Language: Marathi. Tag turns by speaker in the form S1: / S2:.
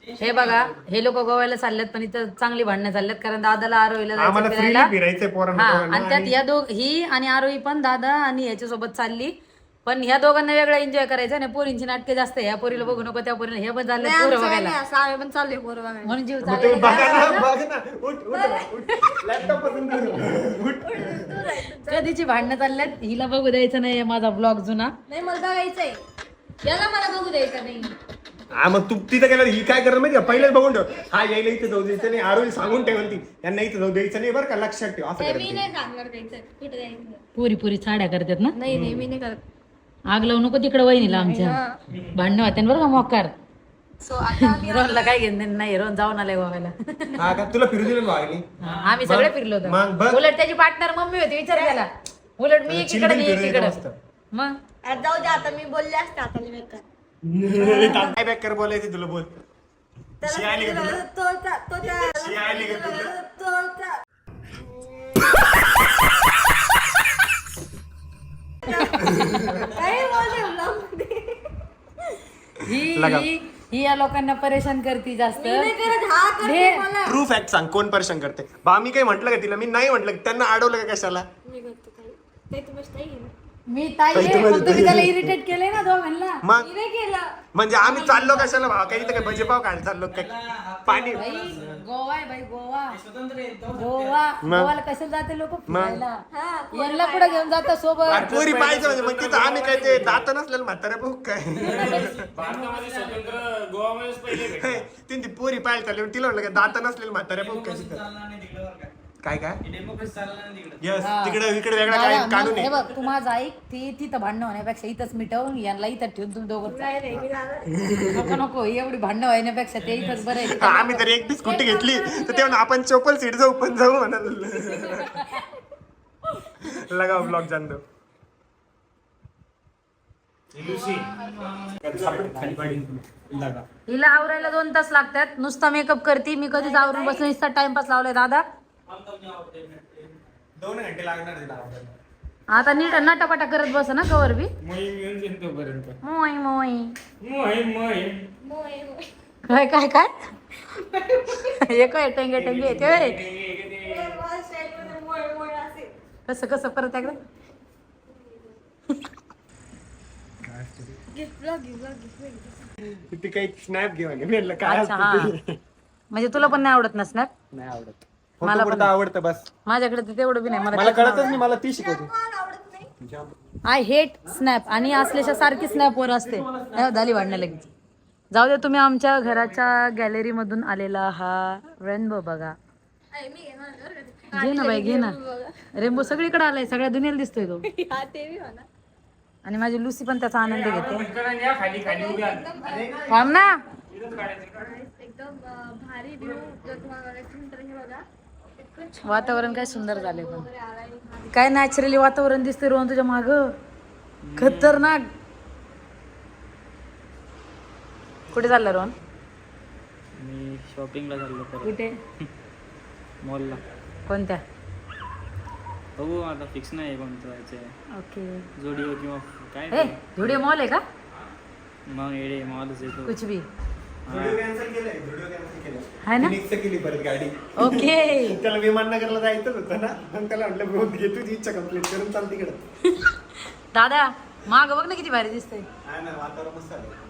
S1: हे बघा, हे लोक गोव्याला चालल्यात पण इथं चांगली भांडणं चालल्यात कारण दादाला आरोहीला
S2: आम्हाला
S1: जायचं
S2: फ्रीली
S1: फिरायला.
S2: फिरायचंय
S1: हा
S2: पोरांना
S1: आणि त्यात या ही आणि आरोही पण दादा आणि याच्यासोबत चालली. पण ह्या दोघांना वेगळा एन्जॉय करायचा आणि पोरींची नाटके जास्त आहे. या पोरीला बघू नको त्या पोरीला हे पण चालले पोरं बघायला
S3: पण चालले पोरं बघायला.
S1: म्हणून जीव
S2: मग तुम्ही बघा
S1: चालला.
S2: ना, बघ ना. उठ लॅपटॉप पासून दूर. उठ.
S1: कधीची भांडणं चालल्यात हिला बघू द्यायचं नाही माझा ब्लॉग जुना.
S3: नाही मला बघायचंय, याला मला बघू द्यायचं नाही.
S2: हा मग तू तिथं गेला ही काय करणार माहिती का, पहिलेच बघून ठेव. हा यायला इथं जाऊ द्यायचं नाही, आरोही सांगून ठेवून ती यांना इथं जाऊ द्यायचं नाही बरं का, लक्षात ठेव. असं
S3: मी
S2: करायचं.
S3: नाही सांगणार द्यायचं कुठे जायचं.
S1: पोरी पोरी साड्या करतात ना.
S3: नाही मी नाही करत.
S1: आग लावू नको तिकडे वहिनीला आमच्या भांडणं होते बरं का मोकार.
S3: सो आता आम्ही
S1: रोहनला काय घेणं नाही, रोहन जाऊन आलाय गोव्याला.
S2: हा का तुला फिरू दिलं भावानी?
S1: आम्ही सगळे फिरलो
S2: मग बघ.
S1: होतो. उलट त्याची पार्टनर मम्मी होती, विचार केला. उलट मी एकीकडे नाही एकीकडे. मग
S3: आता जाऊ दे, आता मी बोलले असते आता नाही बेकार.
S2: काय बॅक कर बोलायचं तुला, बोल. शी आली का तुला? शी आली का तुला?
S1: ही या लोकांना परेशान करते जास्त.
S2: ट्रू फॅक्ट सांग, कोण परेशान करते? बा मी काही म्हटलं का तिला? मी नाही म्हटलं. त्यांना अडवलं का कशाला?
S1: मी ताई आहे, पण तुम्ही त्याला इरिटेट केलंय ना दोघांना.
S2: मग म्हणजे आम्ही चाललो कशाला भाव? काही तर काय भजेपाव खायला चाललो काय? पाणी
S1: बाई गोवा आहे, बाई गोवा गोवाला कशाला जाते लोक फिरायला. यांना पुढे घेऊन जातात सोबत.
S2: अरे पोरी पाहायचं म्हणजे मग तिथं आम्ही काय ते दात नसलेलं म्हाताऱ्या बघ काय.
S4: स्वतंत्र गोवामध्येच पहिले
S2: ती पोरी पाहायला चालली, तिला म्हटलं काय दात नसलेलं म्हाताऱ्या बघ काय तिथं. काय यस तिकडे इकडे वेगळा काय काढून
S1: हे बघ तू माझं ऐक, ती तिथं भांडणं होण्यापेक्षा इथंच मिटवून यांना इथं ठेवून तुम्ही दोघं नको नको एवढी भांडणं होण्यापेक्षा ते इथंच बरं आहे.
S2: आम्ही तर एक स्कूटी घेतली तर तेव्हा आपण चोपल सीट जाऊ पण जाऊ म्हणाल. लगाव ब्लॉग जाण दो.
S1: हिला आवरायला 2 तास लागतात. नुसता मेकअप करते मी, कधीच आवरून बसले नुसता टाइमपास लावलाय दादा.
S2: 2 घंटे लागणार तिला.
S1: आता नीट नटापटा करत बस ना कवर बी. मोय मोय काय काय काय हे काय टंगे टंगे येते कसं कसं परत एकदा.
S2: ती काही स्नॅप घेऊन मी काय
S1: अच्छा हा, म्हणजे तुला पण नाही आवडत ना स्नॅप?
S2: नाही आवडत. मला पण आवडतं बस.
S1: माझ्याकडे तर तेवढं बी नाही.
S2: मला कळतच नाही, मला ती शिकवते.
S1: आय हेट स्नॅप आणि असल्याच्या सारखी स्नॅप वर असते. झाली वाढणं लगेच. जाऊ दे, तुम्ही आमच्या घराच्या गॅलरी मधून आलेला हा रेनबो बघा. घे ना बाई घे ना. रेनबो सगळीकडे आलाय, सगळ्या दुनियेला दिसतोय तो. आणि माझी लुसी पण त्याचा आनंद घेते. थांब ना.
S3: एकदम भारी व्ह्यू जर तुम्हाला बघायचं तर हे बघा.
S1: वातावरण काय सुंदर झाले, पण काय नॅचरली वातावरण दिसते रोहन तुझ्या माग. खतरनाक. कुठे चालला रोहन?
S4: मी शॉपिंगला चाललो
S1: कुठे?
S4: मॉलला.
S1: कोणत्या?
S4: बघू आता फिक्स नाही कोणतं जायचं.
S1: ओके.
S4: जोडिओ किंवा काय
S1: हे झुडिओ मॉल आहे का?
S4: मग एडे मॉलच येतो.
S1: कुछ भी
S2: व्हिडिओ कॅन्सल केलाय, व्हिडिओ कॅन्सल केलाय.
S1: है ना.
S2: फिनिक्स केली परत गाडी.
S1: ओके.
S2: त्याला विमाननगरला जायचं होतं ना, मग त्याला म्हटलं बघ घे तुझी इच्छा कंप्लीट करून चाल तिकडं.
S1: दादा माग बघ ना किती भारी दिसतंय.
S2: हा ना, वातावरण मस्त आहे.